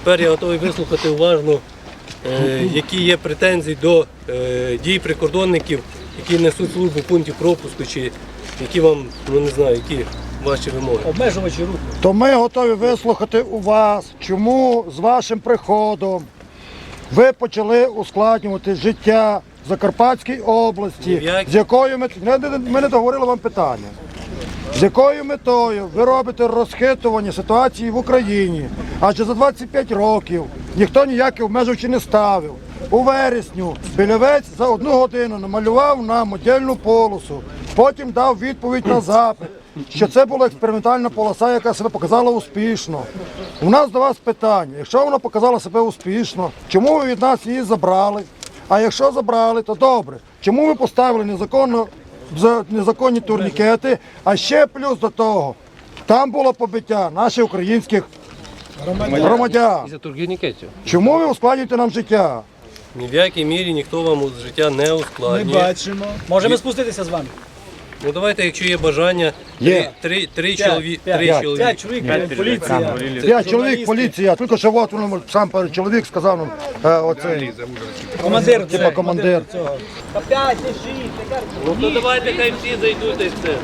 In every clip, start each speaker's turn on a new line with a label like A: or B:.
A: Тепер я готовий вислухати уважно, які є претензії до дій прикордонників, які несуть службу в пункті пропуску, чи які вам, ну не знаю, які ваші вимоги.
B: Обмежувачі руху.
C: То ми готові вислухати у вас, чому з вашим приходом ви почали ускладнювати життя в Закарпатській області, з якою ми не договорили вам питання. З якою метою ви робите розхитування ситуації в Україні? Адже за 25 років ніхто ніякі обмежувачі не ставив. У вересню Білявець за 1 годину намалював нам модельну полосу, потім дав відповідь на запит, що це була експериментальна полоса, яка себе показала успішно. У нас до вас питання, якщо вона показала себе успішно, чому ви від нас її забрали? А якщо забрали, то добре. Чому ви поставили незаконні турнікети, а ще плюс до того, там було побиття наших українських громадян.
A: Із-за турнікетів.
C: Чому ви ускладнюєте нам життя?
A: Ні в якій мірі ніхто вам життя не
B: Ми
A: ускладнює.
B: бачимо. Можемо спуститися з вами?
A: Ну давайте, якщо є бажання,
C: Є.
A: три чоловіки.
B: 5 чоловік, поліція.
C: 5 чоловік, поліція, тільки що от він сам чоловік сказав нам, оцей,
B: Командир.
C: типа командир.
B: Цього. 5 і 6.
A: Ну то давайте хай всі зайдуть і все.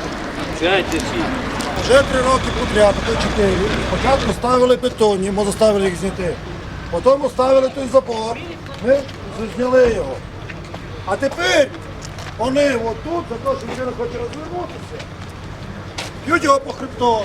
A: 5 чи 6.
C: Вже 3 роки подряд, а то 4. Спочатку ставили бетонні, ми заставили їх зняти. Потім ставили той забор, ми зняли його. А тепер вони отут, за те, що людина хоче розвернутися, б'ють його по хребтові.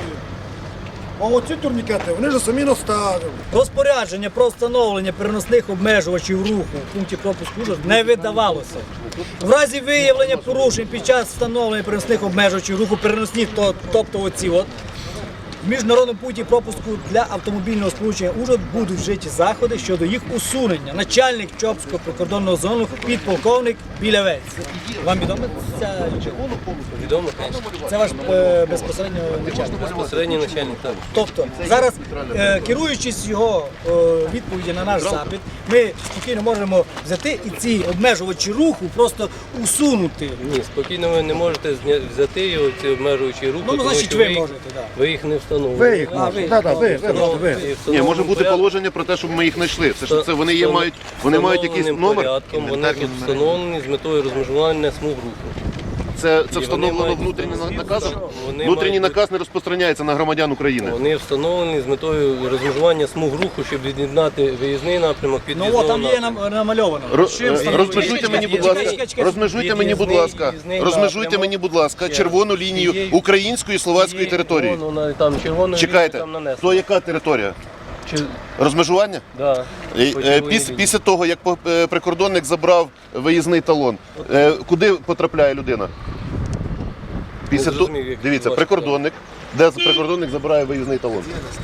C: А оці турнікети вони ж самі наставили.
B: Розпорядження про встановлення переносних обмежувачів руху в пункті пропуску не видавалося. В разі виявлення порушень під час встановлення переносних обмежувачів руху переносні, тобто оці от, в міжнародному пункті пропуску для автомобільного сполучення Ужгород будуть вжиті заходи щодо їх усунення. Начальник Чопського прикордонного зону підполковник Білявець. Вам відомо ця
A: Відомо, звісно.
B: Це ваш безпосередньо начальник?
A: Безпосередній начальник, так.
B: Тобто зараз, керуючись його відповіді на наш запит, ми спокійно можемо взяти і ці обмежувачі руху просто усунути.
A: Ні, спокійно ви не можете взяти його, ці обмежуючі руки,
B: Ну,
A: тому
B: значить,
A: що
B: ви можете, так.
A: ви їх не встановили.
C: Ви їх можете, ви.
D: Ні, може бути положення про те, щоб ми їх знайшли. Це ж це вони є, вони мають якийсь номер.
A: Порядком, вони тут встановлені з метою розмежування смуг руху.
D: Це
A: вони
D: встановлено
A: мають
D: внутрішнім
A: бути
D: наказом.
A: вони
D: Внутрішній
A: мають
D: наказ не розпространяється на громадян України.
A: Вони встановлені з метою розмежування смуг руху, щоб від'єднати виїзний напрямок від
B: Ну
A: в'їзного
B: от там є
A: напрямку.
B: намальовано.
D: Розмежуйте мені, будь ласка,
B: Чекай.
D: розмежуйте мені, будь ласка, розмежуйте мені, будь ласка, червону лінію української і словацької території.
A: Вон, там червоною
D: Чекайте,
A: лінією там нанесено.
D: то яка територія?
A: Чи-
D: Розмежування?
A: Да.
D: Після того, як прикордонник забрав виїзний талон, куди потрапляє людина? Після того,
A: зрозумів, як
D: дивіться,
A: ваше
D: прикордонник, де прикордонник забирає виїзний талон.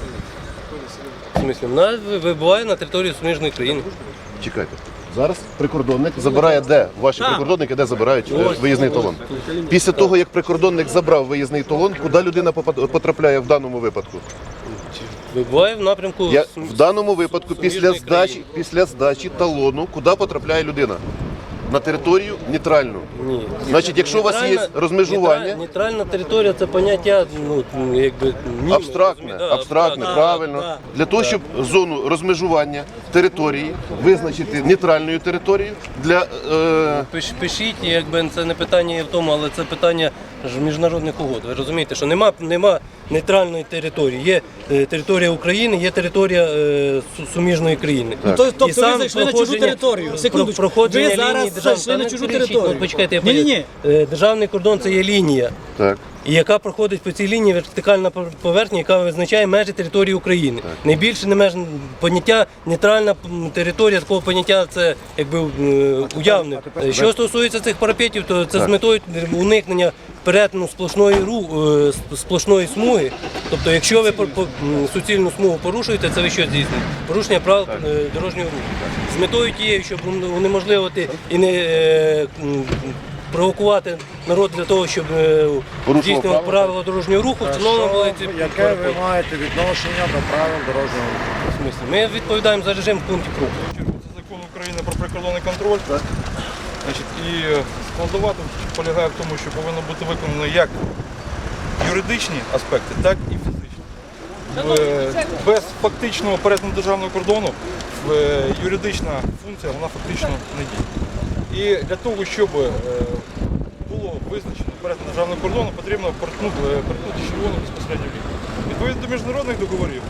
A: В смислі, вона вибуває на території суміжної країни.
D: Чекайте. Зараз прикордонник забирає де? Ваші прикордонники де забирають виїзний талон? Після того, як прикордонник забрав виїзний талон, куди людина потрапляє в даному випадку?
A: Вибуває в напрямку
D: В даному випадку
A: суміжної
D: після здачі талону, куди потрапляє людина? На територію нейтральну.
A: Ні.
D: Значить, якщо у вас є розмежування,
A: Нейтральна територія це поняття, ну, якби німе,
D: абстрактне,
A: розумієте?
D: абстрактне,
A: Да,
D: правильно.
B: да.
D: Для того, щоб зону розмежування території визначити нейтральною територією для
A: Пишіть, якби це не питання є в тому, але це питання ж міжнародних угод. Ви розумієте, що нема нейтральної території. Є територія України, є територія суміжної країни.
B: Тобто
A: І сам
B: ви зайшли на чужу
A: проходження-
B: територію. Секундочку.
A: проходження
B: Ви
A: лінії
B: зараз
A: державної-
B: зайшли на
A: Та
B: чужу
A: не кричіть,
B: територію.
A: ну, почекайте, я
B: Ні-ні-ні.
A: поясню. Державний кордон це є лінія.
D: так.
A: І яка проходить по цій лінії вертикальна поверхня, яка визначає межі території України. Найбільше не меж поняття нейтральна територія, такого поняття це якби уявне. Що стосується цих парапетів, то це з метою уникнення перетину сплошної смуги. Тобто, якщо ви суцільну смугу порушуєте, це ви що здійснюєте? Порушення правил дорожнього руху. З метою тією, щоб унеможливити і не провокувати народ для того, щоб здійснювати правила дорожнього руху, встановлено були ці
C: Яке ви маєте відношення до правил дорожнього руху?
A: смислі. Ми відповідаємо за режим в пункті пропуску.
E: Це закон України про прикордонний контроль. Значить, і складова тут полягає в тому, що повинно бути виконано як юридичні аспекти, так і фізичні. без фактичного перетину державного кордону юридична функція вона фактично не діє. І для того, щоб було визначено перетин державного кордону, потрібно перетнути червону безпосередньо лінію. Відповідно до міжнародних договорів,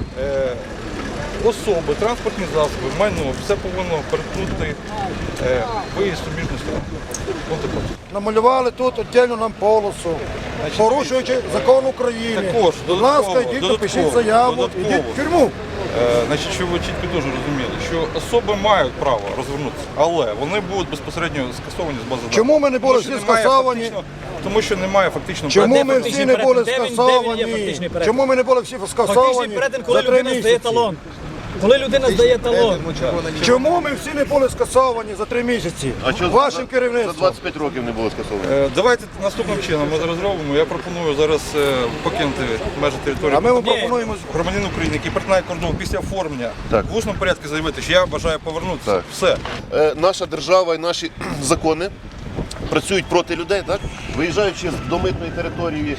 E: особи, транспортні засоби, майно, все повинно перетнути виїзд суміжної сторони.
C: Намалювали тут віддільну нам полосу, порушуючи закон України.
E: Також,
C: Будь ласка, йдіть, напишіть заяву, йдіть в тюрму.
E: Значить, щоб ви чітко дуже розуміли, що особи мають право розвернутися, але вони будуть безпосередньо скасовані з бази даних.
C: Чому ми не були всі скасовані?
E: Тому що немає фактично
C: Чому ми всі не були
B: Де він є
C: скасовані?
B: фактичний перетин?
C: Чому ми не були всі
B: Фактичний
C: скасовані
B: перетин, коли
C: за 3
B: людина здає
C: місяці?
B: талон. Коли людина здає талон.
C: Чому ми всі не були скасовані за 3 місяці? Вашим
D: за
C: керівництвом.
D: 25 років не було скасовано?
E: Давайте наступним чином ми зараз зробимо. Я пропоную зараз покинути межі території.
C: А ми вам пропонуємо
E: Громадянин України, який перетинає кордон після оформлення,
D: Так.
E: в усному порядку заявити, що я бажаю повернутися.
D: Так.
E: Все.
D: Наша держава і наші закони працюють проти людей, так? Виїжджаючи до митної території,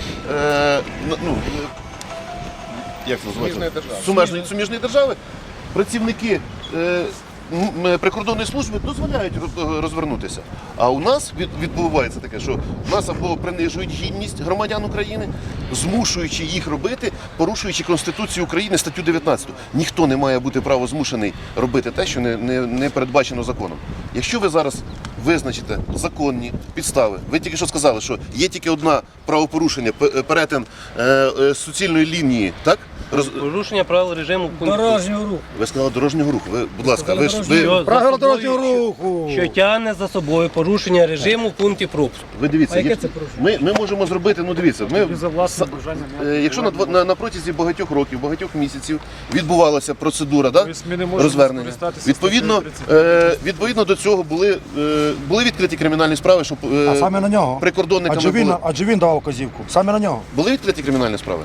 D: як це називається? Суміжної держави, працівники прикордонної служби дозволяють розвернутися. А у нас відбувається таке, що у нас або принижують гідність громадян України, змушуючи їх робити, порушуючи Конституцію України, статтю 19. Ніхто не має бути право змушений робити те, що не передбачено законом. Якщо ви зараз визначите законні підстави, ви тільки що сказали, що є тільки одне правопорушення, перетин суцільної лінії, так?
A: Порушення правил режиму пункту.
B: Дорожнього руху.
D: Ви сказали дорожнього руху. Ви, будь ласка, ви
A: Що
C: правила
A: за собою-
C: дорожнього руху.
A: Що тягне за собою порушення режиму в пункті пропуску.
D: ви дивіться,
B: А яке
D: є-
B: це порушення?
D: ми можемо зробити, ну дивіться, якщо на протязі багатьох років, багатьох місяців відбувалася процедура, да, розвернення, відповідно до цього були відкриті кримінальні справи, щоб
C: А саме на нього.
D: прикордонниками були.
C: Адже він давав вказівку. Саме на нього.
D: Були відкриті кримінальні справи?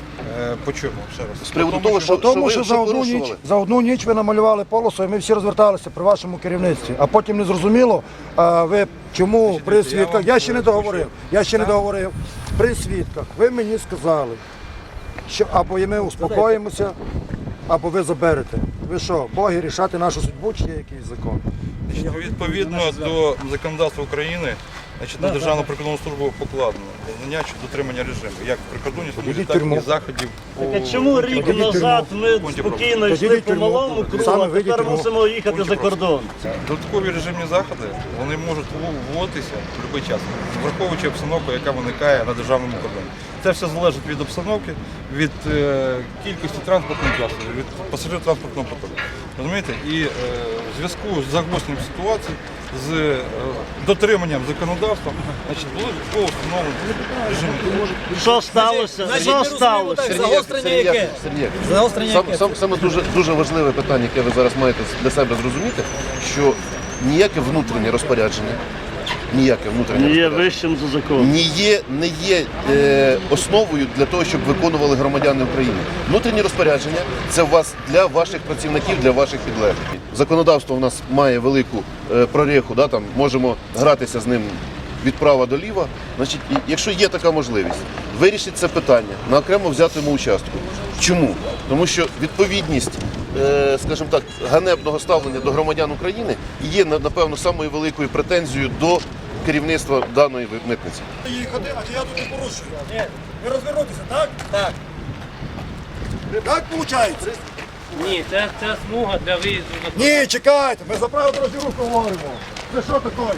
E: По чому? Ще раз.
D: З приводу того, що,
C: Тому
D: ви
C: що за
D: порушували?
C: одну ніч ви намалювали полосу, і ми всі розверталися при вашому керівництві. А потім не зрозуміло, ви чому при свідках. Я ще не договорив. При свідках ви мені сказали, що або ми успокоїмося, або ви заберете. Ви що, боги рішати нашу судьбу, чи є якийсь закон?
E: Відповідно до законодавства України, значить, на Державну прикордонну службу покладено знання чи дотримання режиму, як в прикордонній службі,
C: Ідіть в
E: так і
C: тюрму.
E: заходів.
F: Так а чому рік назад ми спокійно йшли
C: Тоді
F: по
C: тюрму.
F: малому кругу,
C: Саме
F: а
C: вийдіть
F: тепер
C: тюрму.
F: мусимо їхати за кордон?
E: Додаткові режимні заходи вони можуть вводитися в будь-який час, враховуючи обстановку, яка виникає на державному кордоні. Це все залежить від обстановки, від кількості транспортних засобів, від пасажирів транспортного потоку. Розумієте? І в зв'язку з загостренням ситуації, з дотриманням законодавства, значить, були військово встановлені режими.
F: Що сталося?
B: Значить,
F: Що
B: ми розуміємо
F: сталося?
B: так, загострення яке?
D: Сергій,
B: Загострення яке?
D: саме дуже важливе питання, яке ви зараз маєте для себе зрозуміти, що ніяке внутрішнє розпорядження,
F: Не є вищим за закон.
D: не є основою для того, щоб виконували громадяни України. Внутрішні розпорядження – це у вас для ваших працівників, для ваших підлеглих. Законодавство у нас має велику прореху, да, там, можемо гратися з ним від права до ліва. Значить, якщо є така можливість, вирішіть це питання на окремо взятому участку. Чому? Тому що відповідність, скажімо так, ганебного ставлення до громадян України є, напевно, самою великою претензією до керівництва даної митниці.
C: Їхати, а чи я тут не порушую? Ні. Ви розвернутися, так? Так. Так виходить?
A: Ні, це смуга для виїзду до
C: Ні, чекайте, ми за правила дорожнього руху говоримо. Це що таке?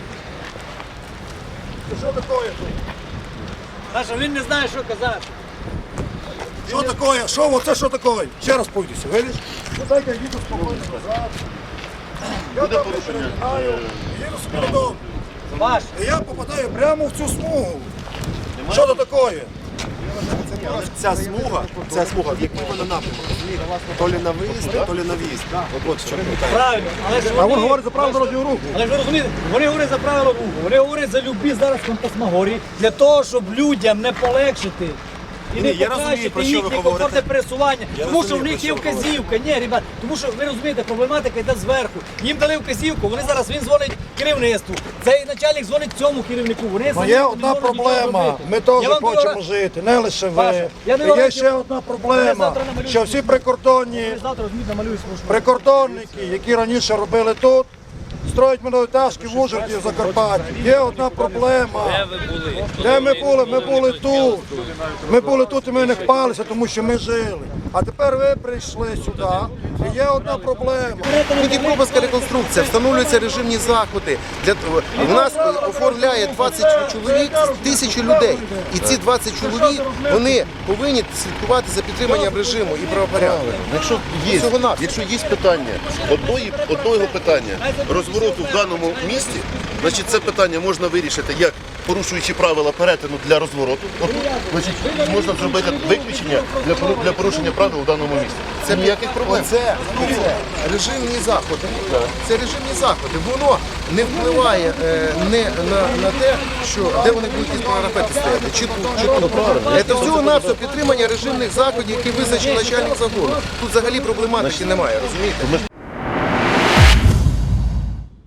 C: Це що таке тут?
B: Саша, він не знає, що казати.
C: Що таке? Що оце що таке? Ще раз пойдуся, видиш? Ну дайте я їду спокійно назад. Я там не перетинаю, їду собі додому.
B: Ваш.
C: І я попадаю прямо в цю смугу. Що це таке?
G: Ця смуга, в який вона напрямок, розумієте? То лі на виїзд, то лі на в'їзд. От що питання.
B: Правильно, але ж
C: А
B: вони...
C: він говорить за правила дорожнього руху.
B: Але ж ви розумієте, вони говорять за правила руху, вони говорять за любі зараз фантасмагорії, для того, щоб людям не полегшити і
G: Ні,
B: не
G: я розумію,
B: покращити
G: про що ви
B: їхнє
G: говорите.
B: комфортне пересування, тому що в
G: розумію,
B: них
G: про
B: є
G: що ви
B: вказівка. Ні, ребят, тому що ви розумієте, проблематика йде зверху. Їм дали вказівку, вони зараз він дзвонить керівництву. Цей начальник дзвонить цьому керівнику. Вони
C: Ну,
B: самі
C: є
B: не
C: одна
B: можуть нічого
C: проблема.
B: зробити.
C: Ми
B: Я
C: теж
B: вам
C: хочемо
B: говорю,
C: жити, не лише
B: Паша,
C: ви.
B: я не
C: І
B: говорю,
C: є ще одна
B: я
C: проблема,
B: завтра намалюю.
C: що всі прикордонні
B: завтра розумієте, намалюю свою шматку.
C: прикордонники, які раніше робили тут, строять минулетажки в Ужгороді, в Закарпатті. Є одна проблема.
A: Де ви були?
C: Де ми були? Ми були тут. Ми були тут і ми не хпалися, тому що ми жили. А тепер ви прийшли сюди, і є одна проблема.
H: Тут Дніпропетровська реконструкція, встановлюються режимні заходи. У нас оформляє 20 чоловік, 1000 людей. І ці 20 чоловік, вони повинні слідкувати за підтриманням режиму і правопорядку.
D: Якщо є питання, одного питання розвороту в даному місті, значить це питання можна вирішити як порушуючи правила перетину для розвороту. Значить, можна зробити виключення для порушення правил у даному місті. Це ніяких проблем.
H: Це режимні заходи. Це режимні заходи. Воно не впливає на те, що де вони будуть із парапети стояти, чи тут, чи тут. Це всього-навсього підтримання режимних заходів, які визначив начальник загону. Тут взагалі проблематики немає, розумієте?